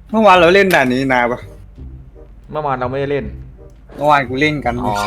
เมื่อวานเราเล่นด่านนี้นาปะเมื่อวานเราไม่ได้เล่นเมื่อวานกูเล่นกันอ๋อ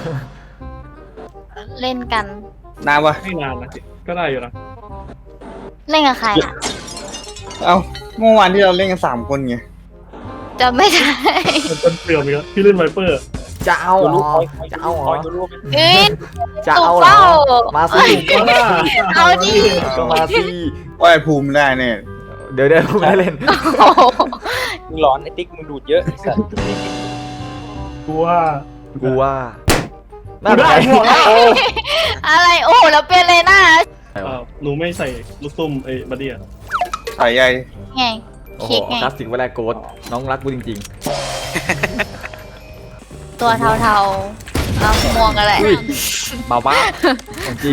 เล่นกันนาปะไม่นานนะก็ได้อยู่นะเล่นกับใครอ่ะเอ้าเมื่อวานที่เราเล่นกัน3 คนไงจะไม่ได้มันเป็นเปลี่ยวมีแล้วพี่เล่นไวเปอร์จะเอาเหรอจะเอาเหรอเอ้ยจะเอาเหรอมาสิเอาดิก็มาสิว่าไอ้ภูมิได้เนี่ยเดี๋ยวผมไม่ได้เล่นโอ้โหมึงร้อนไอ้ติ๊กมึงดูดเยอะไอ้สัตว์กูว่ากูว่ากูได้หมดแล้วโอ้อะไรโอ้โหแล้วเป็นเลยนะหนูไม่ใส่ลูกตุ้มไอ้บัดดี้อะสายใยไงโหคิดไงคลาสสิกเวลาโกดน้องรักกูจริงตัวเทาๆเอาม่วงกันแหละๆอุ้ยมาบ้าของจริง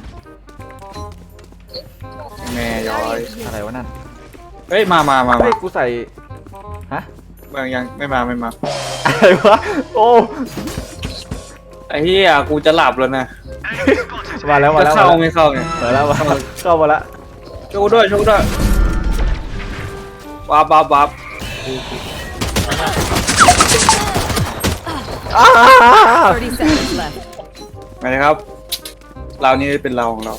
แม่ย้อยอะไรวะนั่นเฮ้ยมาเฮ้ยกูใส่ฮะบางยังไม่มาอะไรวะโอ้ไอ้เหี้ยกูจะหลับแล้วนะมาแล้วจะเข้าไม่เข้าเนี่ยมาแล้วเข้ามาแล้วโชว์ด้วยวับอ้า 30 seconds left. มาเลยครับ เรานี่เป็นเราของเรา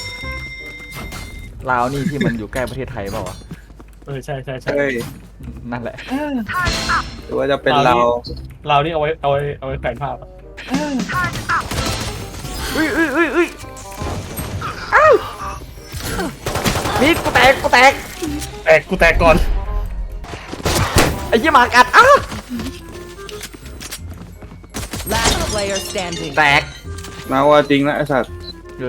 ลาวนี่ที่มันอยู่ใกล้ประเทศไทยเปล่าวะใช่เฮ้ยนั่นแหละหรือว่าจะเป็นเราเรานี่เอาไว้แขวนภาพอะอุ้ยอ้าวนี่กูแตกกูแตกก่อนไอ้ยี่หมากัดอ้า Last player standing. แตกมาว่าจริงนะไอ้สัตว์เลย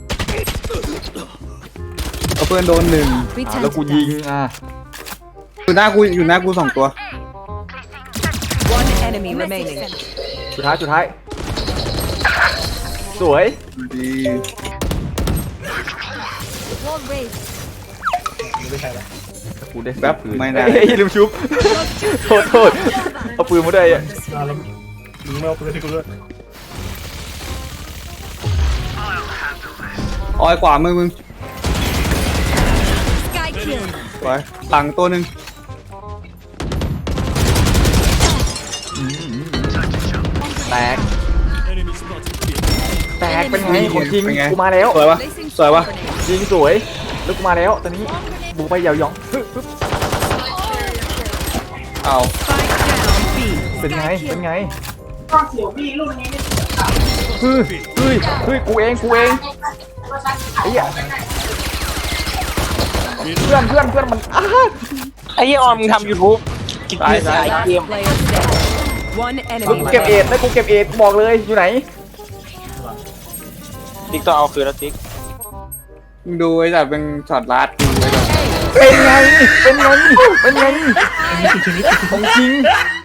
เอาเพื่อนโดน1 แล้วกูยิงอยู่หน้ากู2 ตัว One enemy remaining. สุดท้ายสวยดีไม่ใช่แล้วกูได้แบบไม่ได้เฮ้ยลืมชุบโทษเอาปืนมาได้อะแล้วมึงไม่เอาปืนให้กูด้วยออยขวามึง Sky kill. ไปหลังตัวหนึ่งแตกเป็นไงของจริงกูมาแล้วสวยปะสวยปะจริงสวยแล้วกูมาแล้วตอนนี้บูไปยาวยองเอา Spike down B. เป็นไงเฮ้ยกูเองไอ้เหี้ยเพื่อนมันอ้าไอ้เหี้ยออนมึงทำ YouTube กินเกมขายเกม Player standing. One แล้ว enemy กูเก็บเอ็ด remaining. แล้วกูเก็บเอ็ดบอกเลยอยู่ไหนติ๊กต้องเอาคืนแล้วติ๊กมึงดูไอ้สัตว์เป็นช็อตลัดดูไว้ก่อนเป็นไงของจริง